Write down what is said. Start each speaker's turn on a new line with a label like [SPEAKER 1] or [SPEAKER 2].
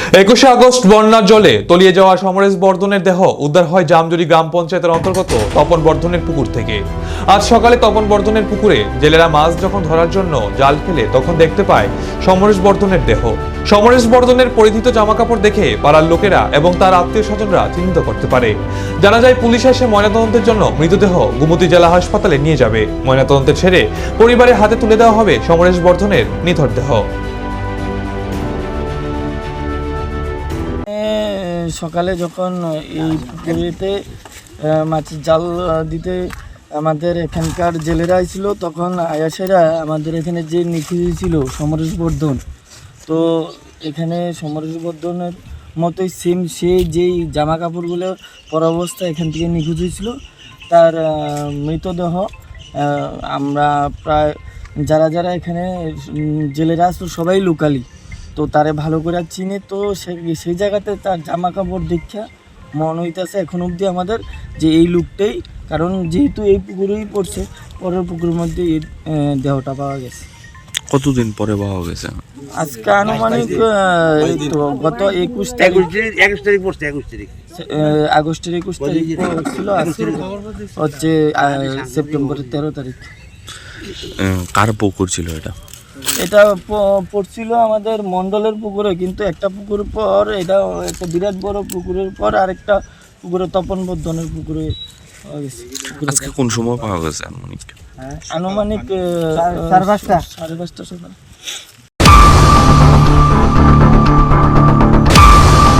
[SPEAKER 1] 21শে August বন্যার জলে তলিয়ে যাওয়া সমরেশ বর্ধনের দেহ উদ্ধার হয় জামজুরি গ্রাম পঞ্চায়েতের অন্তর্গত তপন বর্ধনের পুকুর থেকে। আজ সকালে তপন বর্ধনের পুকুরে জেলেরা মাছ যখন ধরার জন্য জাল ফেলে তখন দেখতে পায় সমরেশ বর্ধনের দেহ। সমরেশ বর্ধনের পরিহিত জামাকাপড় দেখে পাড়ার লোকেরা এবং তার আত্মীয় স্বজনরা চিহ্নিত করতে পারে। জানা যায় পুলিশ এসে ময়নাতদন্তের জন্য মৃতদেহ গোমতী জেলা হাসপাতালে নিয়ে যাবে। ময়নাতদন্তের ছেড়ে পরিবারের হাতে তুলে দেওয়া হবে সমরেশ বর্ধনের নিথর দেহ।
[SPEAKER 2] সকালে যখন এই পুকুরেতে মাছের জাল দিতে আমাদের এখানকার জেলেরা ছিল, তখন আয়াসেরা আমাদের এখানে যে নিখোঁজ ছিল সমরেশ বর্ধন, তো এখানে সমরেশ বর্ধনের মতোই সেম সে যেই জামা কাপড়গুলো পরা অবস্থায় এখান থেকে নিখোঁজ হয়েছিল, তার মৃতদেহ আমরা প্রায় যারা যারা এখানে জেলেরা আসতো সবাই লোকালি, তো তারে ভালো করে চিনে। তো সেই জায়গাতে তার জামা কাপড় দেখা মনে হইতেছে এখন অবধি আমাদের যে এই লুকটাই, কারণ যেহেতু এই পুকুরেই পড়ছে, পরের পুকুরের মধ্যে এই দেহটা পাওয়া গেছে।
[SPEAKER 3] কতদিন পরে পাওয়া গেছে?
[SPEAKER 2] আজকে আনুমানিক গত 21 তারিখ পড়ছে, আগস্টের 21 তারিখ ছিল, আজকে হচ্ছে সেপ্টেম্বরের 13 তারিখ।
[SPEAKER 3] কার পুকুর ছিল এটা?
[SPEAKER 2] এটা পড়ছিল আমাদের মণ্ডলের পুকুরে, কিন্তু একটা পুকুর পর এটা একটা বিরাট বড় পুকুরের পর আরেকটা পুকুরে তপন বর্ধনের পুকুরে পাওয়া গেছে।
[SPEAKER 3] আজকে কোন সময় পাওয়া গেছে আনুমানিক?
[SPEAKER 2] আনুমানিক 5:30 সকাল।